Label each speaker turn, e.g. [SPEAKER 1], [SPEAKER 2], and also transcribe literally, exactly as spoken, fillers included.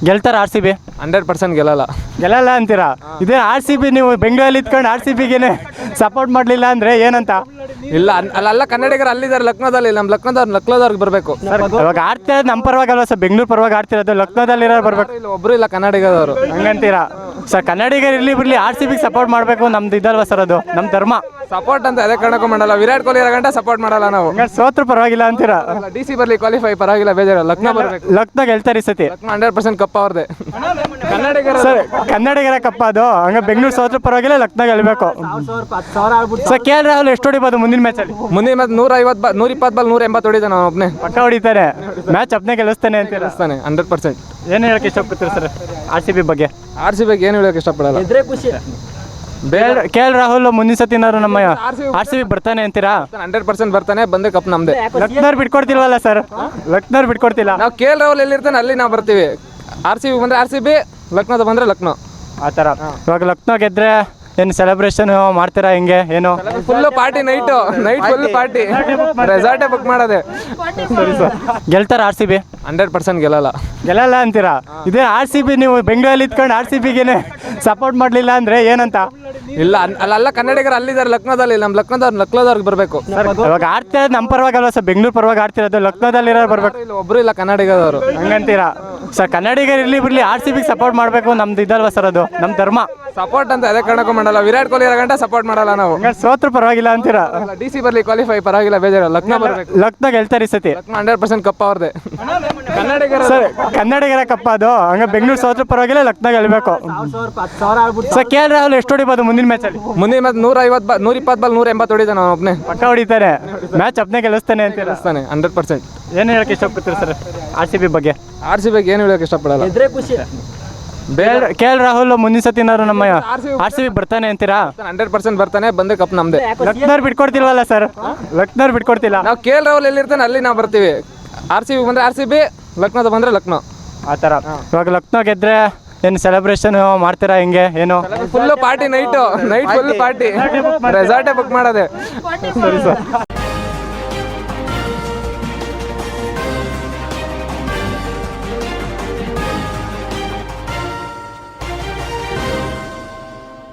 [SPEAKER 1] ಗೆಲ್ತಾರ R C B?
[SPEAKER 2] Hundred percent ಗೆಲ್ಲಲ್ಲ.
[SPEAKER 1] ಗೆಲ್ಲಲ್ಲ ಅಂತೀರಾ? ಇದೇ ಆರ್ ಸಿ ಬಿ ನೀವು ಬೆಂಗಳೂರಲ್ಲಿ ಇದ್ಕೊಂಡು ಆರ್ ಸಿ ಬಿಗೆ ಸಪೋರ್ಟ್ ಮಾಡಲಿಲ್ಲ ಅಂದರೆ ಏನಂತ?
[SPEAKER 2] ಇಲ್ಲ ಅಲ್ಲ, ಕನ್ನಡಿಗರು ಅಲ್ಲಿದ್ದಾರೆ ಲಕ್ನೋದಲ್ಲಿ. ನಮ್ಮ ಲಕ್ನೋದವ್ರು ಲಕ್ನೋದವ್ರಿಗೆ ಬರಬೇಕು.
[SPEAKER 1] ಇವಾಗ ಆಡ್ತಿರೋದು ನಮ್ಮ ಪರವಾಗಲ್ವ ಸರ್? ಬೆಂಗಳೂರು ಪರವಾಗಿ ಆಡ್ತಿರೋದು, ಲಕ್ನೋದಲ್ಲಿರೋ ಬರಬೇಕು.
[SPEAKER 2] ಇಲ್ಲ ಒಬ್ಬರು ಇಲ್ಲ ಕನ್ನಡಿಗದವರು.
[SPEAKER 1] ಹಂಗಂತೀರಾ ಸರ್? ಕನ್ನಡಿಗರು ಇರಲಿ ಬಿಡಲಿ, ಆರ್ ಸಿ ಬಿಗೆ ಸಪೋರ್ಟ್ ಮಾಡಬೇಕು, ನಮ್ದು ಇದಲ್ವ ಸರ್? ಅದು ನಮ್ಮ ಧರ್ಮ.
[SPEAKER 2] ಸಪೋರ್ಟ್ ಅಂತ ಅದೇ ಕಾರಣಕ್ಕೂ ಮಾಡಲ್ಲ. ವಿರಾಟ್ ಕೊಹ್ಲಿ ಇರೋ ಗಂಟ ಸಪೋರ್ಟ್ ಮಾಡಲ್ಲ ನಾವು.
[SPEAKER 1] ಸೋತ್ರು ಪರವಾಗಿಲ್ಲ ಅಂತೀರಾ?
[SPEAKER 2] ಡಿ ಸಿ ಬರಲಿ, ಕ್ವಾಲಿಫೈ ಪರವಾಗಿಲ್ಲ, ಬೇಜಾರು. ಲಕ್ನೋ ಬರಬೇಕು.
[SPEAKER 1] ಲಕ್ನೋ ಗೆಲ್ತಾರೆ ಈ ಸತಿ.
[SPEAKER 2] ಲಕ್ನೋ ಹಂಡ್ರೆಡ್ ಪರ್ಸೆಂಟ್ ಕಪ್ ಅವ್ರದ್ದೇ. ಕನ್ನಡಿಗರ
[SPEAKER 1] ಸರ್ ಕನ್ನಡಿಗರ ಕಪ್ಪ ಅದು. ಹಂಗೆ ಬೆಂಗಳೂರು ಸೋತ್ರು ಪರವಾಗಿಲ್ಲ, ಲಕ್ನೋ ಗೆಲ್ಲಬೇಕು. ಸರ್ ಕೆ ಎಲ್ ರಾಹುಲ್ ಎಷ್ಟು ಹೊಡಿಬೋದು ಮುಂದಿನ ಮ್ಯಾಚಲ್ಲಿ?
[SPEAKER 2] ಮುಂದಿನ ಮ್ಯಾಚ್ ನೂರ ಐವತ್ತು ಬಾ ನೂರ ಇಪ್ಪತ್ತು ಬಾಲ್ ನೂರ ಎಂಬತ್ತು ಹೊಡಿತಾನೆ ನಾವು ಒಬ್ಬನೇ.
[SPEAKER 1] ಪಕ್ಕ ಹೊಡಿತಾರೆ. ಮ್ಯಾಚ್ ಅಪ್ನೇ ಗೆಲ್ಲಿಸ್ತಾನೆ ಅಂತೀರಾ?
[SPEAKER 2] ಗೆಲ್ಲಿಸ್ತಾನೆ ಹಂಡ್ರೆಡ್ ಪರ್ಸೆಂಟ್.
[SPEAKER 1] ಏನು ಹೇಳಕ್ಕೆ ಇಷ್ಟಪಡ್ತೀರಿ ಸರ್ ಆರ್ ಸಿ ಬಿ ಬಗ್ಗೆ?
[SPEAKER 2] ಆರ್ ಸಿ ಬಿಗೆ ಏನು ಹೇಳೋಕೆ ಇಷ್ಟಪಡಲ್ಲ.
[SPEAKER 1] ಬೇರೆ ಕೆ ಎಲ್ ರಾಹುಲ್ ಮುಂದಿನ ಸತಿ ಏನಾದ್ರು ನಮ್ಮ ಆರ್ ಸಿ ಬಿ ಬರ್ತಾನೆ ಅಂತೀರಾ?
[SPEAKER 2] ಹಂಡ್ರೆಡ್ ಪರ್ಸೆಂಟ್ ಬರ್ತಾನೆ, ಬಂದೇ ಕಪ್ ನಮ್ದೇ.
[SPEAKER 1] ಲಕ್ನೋರ್ ಬಿಟ್ಕೊಡ್ತಿಲ್ವಲ್ಲ ಸರ್? ಲಕ್ನೋರ್ ಬಿಟ್ಕೊಡ್ತಿಲ್ಲ.
[SPEAKER 2] ನಾವು ಕೆ ಎಲ್ ರಾಹುಲ್ ಎಲ್ಲಿರ್ತಾನೆ ಅಲ್ಲಿ ನಾವು ಬರ್ತೀವಿ. ಆರ್ ಸಿ ಬಿ ಬಂದರೆ ಆರ್ ಸಿ ಬಿ, ಲಕ್ನೋದ ಬಂದರೆ ಲಕ್ನೋ,
[SPEAKER 1] ಆ ಥರ. ಇವಾಗ ಲಕ್ನೋ ಗೆದ್ರೆ ಏನು ಸೆಲೆಬ್ರೇಷನ್ ಮಾಡ್ತೀರಾ? ಹೆಂಗೆ ಏನು?
[SPEAKER 2] Full party, night night full party, ರೆಸಾರ್ಟೇ ಬುಕ್ ಮಾಡೋದೆ.
[SPEAKER 1] ಸರಿ ಸರ್. ಗೆಲ್ತಾರ R C B?
[SPEAKER 2] Hundred percent ಗೆಲ್ಲಲ್ಲ.
[SPEAKER 1] ಗೆಲ್ಲಲ್ಲ ಅಂತೀರಾ? ಇದೇ ಆರ್ ಸಿ ಬಿ ನೀವು ಬೆಂಗಳೂರಲ್ಲಿ ಇದ್ಕೊಂಡು ಆರ್ ಸಿ ಬಿಗೆ ಸಪೋರ್ಟ್ ಮಾಡಲಿಲ್ಲ ಅಂದರೆ ಏನಂತ?
[SPEAKER 2] ಇಲ್ಲ ಅಲ್ಲ, ಕನ್ನಡಿಗರು ಅಲ್ಲಿದ್ದಾರೆ ಲಕ್ನೋದಲ್ಲಿ. ನಮ್ಮ ಲಕ್ನೋದವ್ರು ಲಕ್ನೋದವ್ರಿಗೆ ಬರಬೇಕು.
[SPEAKER 1] ಇವಾಗ ಆಡ್ತಿರೋದು ನಮ್ಮ ಪರವಾಗಲ್ವ ಸರ್? ಬೆಂಗಳೂರು ಪರವಾಗಿ ಆಡ್ತಿರೋದು, ಲಕ್ನೋದಲ್ಲಿರೋ ಬರಬೇಕು.
[SPEAKER 2] ಇಲ್ಲ ಒಬ್ಬರು ಇಲ್ಲ ಕನ್ನಡಿಗದವರು.
[SPEAKER 1] ಹಂಗಂತೀರಾ ಸರ್? ಕನ್ನಡಿಗರು ಇರಲಿ ಬಿಡಲಿ, ಆರ್ ಸಿ ಬಿಗೆ ಸಪೋರ್ಟ್ ಮಾಡಬೇಕು, ನಮ್ದು ಇದಲ್ವ ಸರ್? ಅದು ನಮ್ಮ ಧರ್ಮ.
[SPEAKER 2] ಸಪೋರ್ಟ್ ಅಂತ ಅದೇ ಕಾರಣಕ್ಕೂ ಮಾಡಲ್ಲ. ವಿರಾಟ್ ಕೊಹ್ಲಿ ಇರೋ ಗಂಟ ಸಪೋರ್ಟ್ ಮಾಡಲ್ಲ ನಾವು.
[SPEAKER 1] ಸೋತ್ರು ಪರವಾಗಿಲ್ಲ ಅಂತೀರಾ?
[SPEAKER 2] ಡಿ ಸಿ ಬರಲಿ, ಕ್ವಾಲಿಫೈ ಪರವಾಗಿಲ್ಲ, ಬೇಜಾರು. ಲಕ್ನೋ ಬರಬೇಕು.
[SPEAKER 1] ಲಕ್ನೋ ಗೆಲ್ತಾರೆ ಈ ಸತಿ.
[SPEAKER 2] ಲಕ್ನೋ ಹಂಡ್ರೆಡ್ ಪರ್ಸೆಂಟ್ ಕಪ್ ಅವ್ರದ್ದೇ. ಕನ್ನಡಿಗರ
[SPEAKER 1] ಸರ್ ಕನ್ನಡಿಗರ ಕಪ್ಪ ಅದು. ಹಂಗೆ ಬೆಂಗಳೂರು ಸೋತ್ರು ಪರವಾಗಿಲ್ಲ, ಲಕ್ನೋ ಗೆಲ್ಲಬೇಕು. ಸರ್ ಕೆ ಎಲ್ ರಾಹುಲ್ ಎಷ್ಟು ಹೊಡಿಬೋದು ಮುಂದಿನ ಮ್ಯಾಚಲ್ಲಿ?
[SPEAKER 2] ಮುಂದಿನ ಮ್ಯಾಚ್ ನೂರ ಐವತ್ತು ಬಾ ನೂರ ಇಪ್ಪತ್ತು ಬಾಲ್ ನೂರ ಎಂಬತ್ತು ಹೊಡಿತಾನೆ ನಾವು ಒಬ್ಬನೇ.
[SPEAKER 1] ಪಕ್ಕ ಹೊಡಿತಾರೆ. ಮ್ಯಾಚ್ ಅಪ್ನೇ ಗೆಲ್ಲಿಸ್ತಾನೆ ಅಂತೀರಾ?
[SPEAKER 2] ಗೆಲ್ಲಿಸ್ತಾನೆ ಹಂಡ್ರೆಡ್ ಪರ್ಸೆಂಟ್.
[SPEAKER 1] ಏನು ಹೇಳಕ್ಕೆ ಇಷ್ಟಪಡ್ತೀರಿ ಸರ್ ಆರ್ ಸಿ ಬಿ ಬಗ್ಗೆ?
[SPEAKER 2] ಆರ್ ಸಿ ಬಿಗೆ ಏನು ಹೇಳೋಕೆ ಇಷ್ಟಪಡಲ್ಲ.
[SPEAKER 1] ಬೇರೆ ಕೆ ಎಲ್ ರಾಹುಲ್ ಮುಂದಿನ ಸತಿ ಏನಾದ್ರು ನಮ್ಮ ಆರ್ ಸಿ ಬಿ ಬರ್ತಾನೆ ಅಂತೀರಾ?
[SPEAKER 2] ಹಂಡ್ರೆಡ್ ಪರ್ಸೆಂಟ್ ಬರ್ತಾನೆ, ಬಂದೇ ಕಪ್ ನಮ್ದೇ.
[SPEAKER 1] ಲಕ್ನೋರ್ ಬಿಟ್ಕೊಡ್ತಿಲ್ವಲ್ಲ ಸರ್? ಲಕ್ನೋರ್ ಬಿಟ್ಕೊಡ್ತಿಲ್ಲ.
[SPEAKER 2] ನಾವು ಕೆ ಎಲ್ ರಾಹುಲ್ ಎಲ್ಲಿರ್ತಾನೆ ಅಲ್ಲಿ ನಾವು ಬರ್ತೀವಿ. ಆರ್ ಸಿ ಬಿ ಬಂದರೆ ಆರ್ ಸಿ ಬಿ, ಲಕ್ನೋದ ಬಂದರೆ ಲಕ್ನೋ,
[SPEAKER 1] ಆ ಥರ. ಇವಾಗ ಲಕ್ನೋ ಗೆದ್ರೆ ಏನು ಸೆಲೆಬ್ರೇಷನ್ ಮಾಡ್ತೀರಾ? ಹೆಂಗೆ ಏನು?
[SPEAKER 2] Full party, night night full party, ರೆಸಾರ್ಟೇ ಬುಕ್ ಮಾಡೋದೆ.
[SPEAKER 1] ಸರಿ ಸರ್.